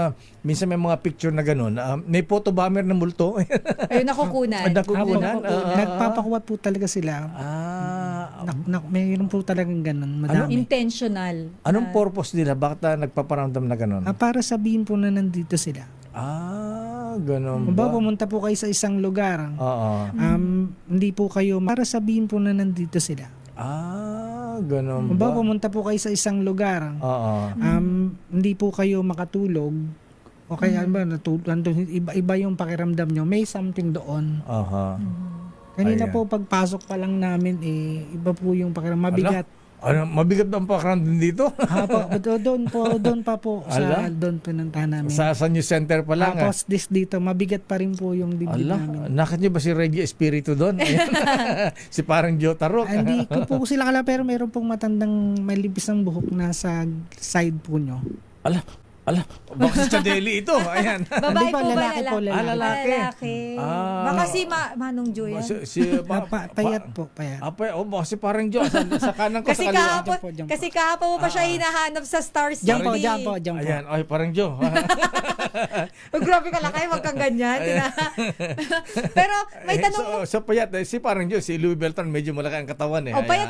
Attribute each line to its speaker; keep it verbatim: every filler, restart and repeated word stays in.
Speaker 1: ah, minsan may mga picture na gano'n, ah, may photo bomber na multo.
Speaker 2: Ayun, nakukunan.
Speaker 1: Nakukunan.
Speaker 3: Apo,
Speaker 1: Ah, ah,
Speaker 3: nagpapakuha po talaga sila.
Speaker 1: Ah,
Speaker 3: Nak, nak, mayroon po talagang ganun, madami.
Speaker 2: Intentional.
Speaker 1: anong
Speaker 2: Ah,
Speaker 1: purpose nila? Bakit ah, nagpaparamdam na gano'n?
Speaker 3: Ah, para sabihin po na nandito sila.
Speaker 1: Ah, gano'n
Speaker 3: Kung
Speaker 1: ba?
Speaker 3: ba pumunta po kayo sa isang lugar,
Speaker 1: Oo.
Speaker 3: um, hindi po kayo, para sabihin po na nandito sila.
Speaker 1: Ah, gano'n
Speaker 3: Kung ba
Speaker 1: ba?
Speaker 3: pumunta po kayo sa isang lugar,
Speaker 1: Oo.
Speaker 3: um, hindi po kayo makatulog, o kaya ba, natulog, iba-iba yung pakiramdam nyo, may something doon.
Speaker 1: Aha.
Speaker 3: Kanina
Speaker 1: Ayan.
Speaker 3: po, pagpasok pa lang namin, eh, iba po yung pakiramdam, mabigat.
Speaker 1: Ano, mabigat ba ang pakiramdam dito?
Speaker 3: Ha, po, do- doon po, doon pa po,
Speaker 1: Ala?
Speaker 3: sa doon pinuntahan namin.
Speaker 1: sa, sa news center pa lang. ah.
Speaker 3: Tapos this dito, mabigat pa rin po yung dibdib
Speaker 1: Ala,
Speaker 3: namin.
Speaker 1: nakit niyo ba si Reggie Espiritu doon? Ayan. Si parang Joe Tarok.
Speaker 3: Ah, Hindi ko po sila kala, pero meron pong matandang may libis ng buhok na sa side po nyo.
Speaker 1: Ala, ala, baka si Chadeli ito. Ayan.
Speaker 2: Babae
Speaker 3: Hindi po,
Speaker 2: po ba?
Speaker 3: lalaki po, lalaki.
Speaker 1: Ah, lalaki.
Speaker 2: Lalaki.
Speaker 1: Ah.
Speaker 2: Baka si Ma- Manong Jo yan.
Speaker 1: Si, si,
Speaker 3: Na,
Speaker 1: pa,
Speaker 3: pa, payat po, payat.
Speaker 1: Ah, pa, oh, baka si parang Joe. Sa, sa kanan ko,
Speaker 2: Kasi
Speaker 1: sa kaliwa.
Speaker 2: kahapon,
Speaker 3: Diyan po, diyan po.
Speaker 2: kasi kahapon mo pa siya
Speaker 1: Ah.
Speaker 2: hinahanap sa Star City.
Speaker 3: Diyan po, diyan po, diyan po.
Speaker 1: Ayan, ay, parang Joe.
Speaker 2: Oh, grabe ka lakay, wag kang ganyan. Tina- Pero may
Speaker 1: Eh,
Speaker 2: tanong mo.
Speaker 1: so, so payat, eh, si parang Joe, si Louis Beltran, medyo malaki ang katawan eh.
Speaker 2: Oh,
Speaker 1: Ayan.
Speaker 2: payat